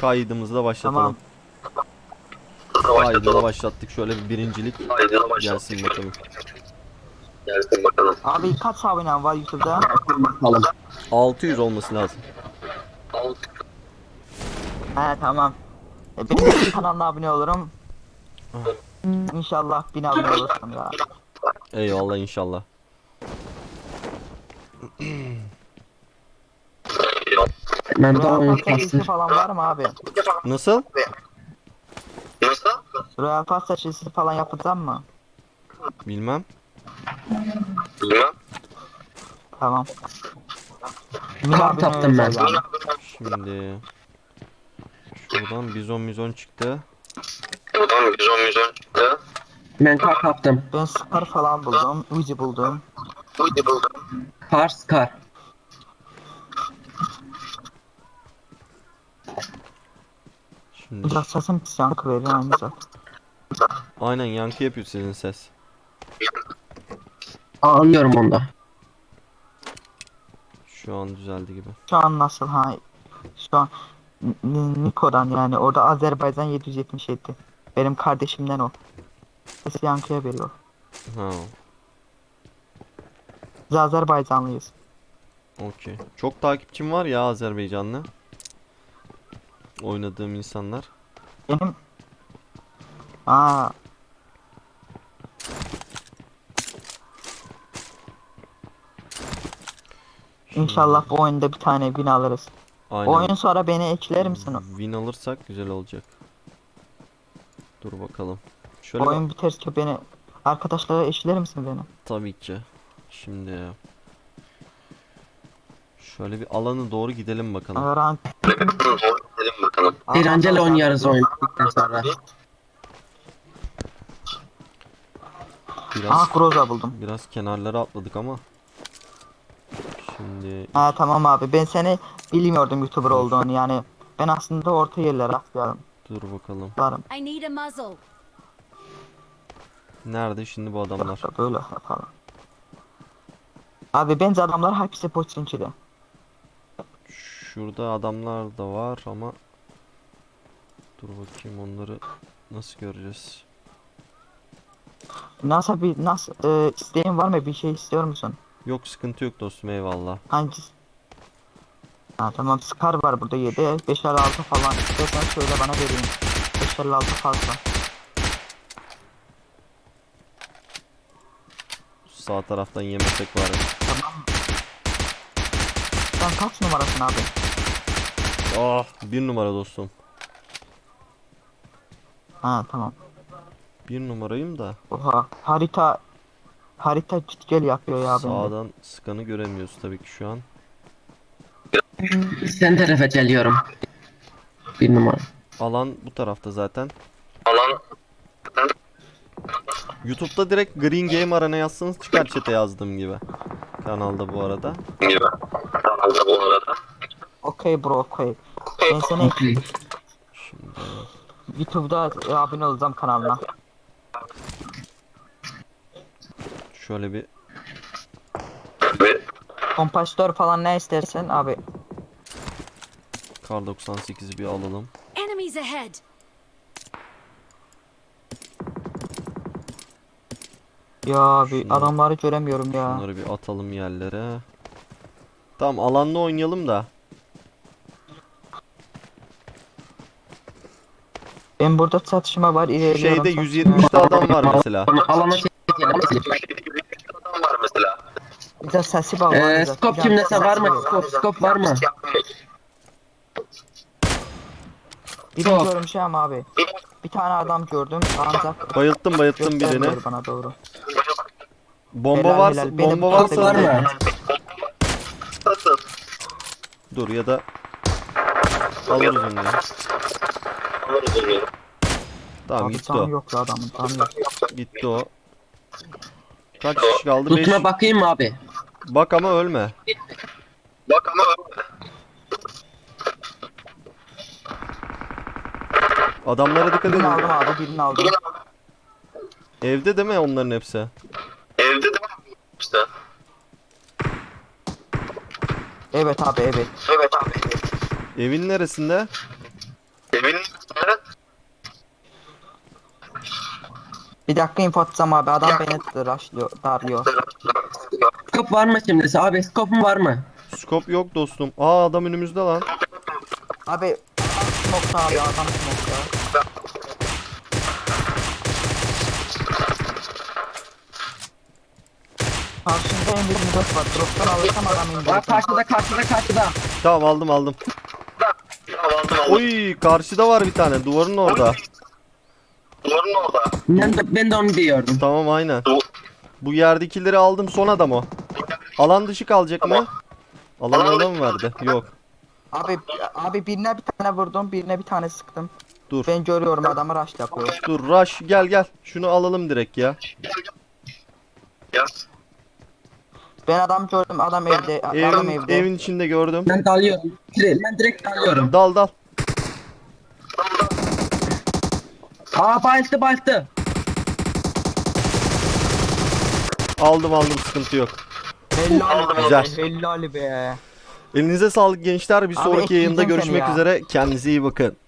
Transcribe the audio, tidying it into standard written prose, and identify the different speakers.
Speaker 1: Kaydımızı da başlatalım.
Speaker 2: Tamam.
Speaker 1: Kaydını başlattık. Şöyle bir birincilik gelsin bakalım.
Speaker 2: Abi kaç abonen var YouTube'da?
Speaker 3: Bakalım.
Speaker 1: 600 olması lazım.
Speaker 2: He tamam. Benim kanalına abone olurum. İnşallah 1000 abone olursun ya.
Speaker 1: Eyvallah inşallah.
Speaker 3: Ben de
Speaker 2: Royal
Speaker 3: oyun
Speaker 2: Pass serisi
Speaker 3: kastım.
Speaker 2: falan var mı abi?
Speaker 1: Nasıl?
Speaker 2: Royal Pass serisi falan yapacağım mı?
Speaker 1: Bilmem.
Speaker 2: Tamam. 1000
Speaker 3: Kart
Speaker 2: abone
Speaker 3: attım ben.
Speaker 2: özel yani.
Speaker 1: Şimdi şuradan bizon çıktı.
Speaker 3: Ben kart attım.
Speaker 2: Ben Scar falan buldum. Uzi buldum.
Speaker 3: Kar.
Speaker 1: Şimdi
Speaker 2: Biraz sesim pis yankı veriyor aynı zaten.
Speaker 1: aynen yankı yapıyor sizin ses.
Speaker 3: Anlıyorum onda.
Speaker 1: Şu an düzeldi gibi.
Speaker 2: Şu an nasıl ha? Şu an Niko'dan yani orada Azerbaycan 777. Benim kardeşimden o. Sesi yankıya veriyor.
Speaker 1: Ha,
Speaker 2: Biz Azerbaycanlıyız.
Speaker 1: okey. Çok takipçim var ya Azerbaycanlı. Oynadığım insanlar.
Speaker 2: Benim Aa, İnşallah bu oyunda bir tane win alırız.
Speaker 1: Aynen.
Speaker 2: Oyun sonra beni ekler misin?
Speaker 1: Win alırsak güzel olacak. Dur bakalım. Şöyle
Speaker 2: Oyun biterse beni arkadaşlara eşler misin beni?
Speaker 1: tabii ki. Şimdi şöyle bir alana doğru gidelim bakalım.
Speaker 2: Rank.
Speaker 3: Eğlenceli oynarız oyun bittikten sonra.
Speaker 1: Biraz
Speaker 2: Groza buldum.
Speaker 1: biraz kenarlara atladık ama. Şimdi
Speaker 2: Ha tamam abi, ben seni bilmiyordum YouTuber olduğunu yani. Ben aslında orta yerlere atlıyorum.
Speaker 1: dur bakalım.
Speaker 2: Varım.
Speaker 4: I need a muzzle.
Speaker 1: Nerede şimdi bu adamlar?
Speaker 2: Böyle yapalım. Abi bence adamlar hepsi poçinçili.
Speaker 1: Şurada adamlar da var ama dur bakayım onları nasıl göreceğiz?
Speaker 2: Nasıl isteğin var mı, bir şey istiyor musun?
Speaker 1: Yok sıkıntı yok dostum eyvallah.
Speaker 2: Hangisi? Ha tamam, Scar var burada 7 556 falan, istersen söyle bana vereyim. 556 fazla.
Speaker 1: Sağ taraftan yemesek var.
Speaker 2: Tamam. Sen kaç numarasın abi?
Speaker 1: Ah, bir numara dostum.
Speaker 2: Ha tamam.
Speaker 1: Bir numarayım da
Speaker 2: Oha, harita git gel yapıyor ya bende.
Speaker 1: sağdan sıkanı göremiyoruz tabii ki şu an.
Speaker 3: Sen tarafa geliyorum. Bir numara.
Speaker 1: Alan bu tarafta zaten. YouTube'da direkt Green Game Arena yazsanız çıkar chat'e yazdığım gibi. Kanalda bu arada.
Speaker 2: Okey bro, okey. Ben seni
Speaker 3: Okey.
Speaker 1: Şimdi
Speaker 2: YouTube'da abone olacağım kanalına.
Speaker 1: şöyle bir
Speaker 2: Kompastör falan ne istersen abi.
Speaker 1: Kar 98'i bir alalım.
Speaker 4: Enemies ahead.
Speaker 2: Ya abi
Speaker 1: Şunları-
Speaker 2: adamları göremiyorum ya.
Speaker 1: Bunları bir atalım yerlere. Tamam alanla oynayalım da.
Speaker 2: Ben burada çatışma var, ilerliyorum.
Speaker 1: Şeyde
Speaker 2: çatışma.
Speaker 1: 170'te adam var mesela.
Speaker 3: Alana çekelim.
Speaker 2: Bir de sesi bağlı.
Speaker 3: Skop kimdese var mı? Skop var mı?
Speaker 2: Birini
Speaker 3: Çok.
Speaker 2: görmüşüm abi. Bir tane adam gördüm ancak
Speaker 1: Bayılttım birini.
Speaker 2: göstermiyor bana doğru.
Speaker 1: Bomba
Speaker 2: Helal,
Speaker 1: varsa
Speaker 2: helal. Benim
Speaker 1: bomba
Speaker 2: çok
Speaker 1: varsa
Speaker 3: Var mı?
Speaker 1: dur ya da alırız onu ya. Tamam
Speaker 2: Abi
Speaker 1: gitti
Speaker 2: canı
Speaker 1: o.
Speaker 2: yok ya adamın, canı yok.
Speaker 1: Gitti o. Kaç kişi kaldı? 5.
Speaker 3: Tutma bakayım mı abi?
Speaker 1: Bak ama ölme. Adamlara dikkat
Speaker 2: Birini
Speaker 1: edin.
Speaker 2: aldım abi, birini aldım.
Speaker 1: Evde değil mi onların hepsi?
Speaker 2: Evet abi, evet.
Speaker 1: Evin neresinde?
Speaker 2: Bir dakika info atacağım abi. Adam beni rushlıyor, darlıyor.
Speaker 3: Skop var mı şimdi? Abi skopun var mı?
Speaker 1: Scope yok dostum. Aa adam önümüzde lan.
Speaker 2: Abi smoke'ta abi, adam smoke'ta. Karşımda M24 var. Drop'tan alırsam adam
Speaker 3: Aa,
Speaker 2: indirir.
Speaker 3: karşıda.
Speaker 1: Tamam aldım. Oy karşıda var bir tane duvarın orada.
Speaker 3: Ben de onu diyordum.
Speaker 1: Tamam aynen. Bu yerdekileri aldım, son adam o. Alan dışı kalacak mı? Alan orada mı verdi? Yok.
Speaker 2: Abi birine bir tane vurdum, birine bir tane sıktım.
Speaker 1: Dur.
Speaker 2: Ben görüyorum adamı rush yapıyor.
Speaker 1: Dur Rush gel. Şunu alalım direkt ya.
Speaker 2: Ben adam gördüm, adam evde, adam evde.
Speaker 1: Evin içinde gördüm.
Speaker 3: Ben dalıyorum. Ben direkt dalıyorum.
Speaker 1: Dal.
Speaker 3: Aa bayıldı.
Speaker 1: Aldım sıkıntı yok.
Speaker 2: Helal be,
Speaker 1: Güzel.
Speaker 2: helal be.
Speaker 1: Elinize sağlık gençler. Bir
Speaker 2: Abi
Speaker 1: sonraki yayında
Speaker 2: ekleyeceğim seni
Speaker 1: görüşmek
Speaker 2: ya.
Speaker 1: üzere. Kendinize iyi bakın.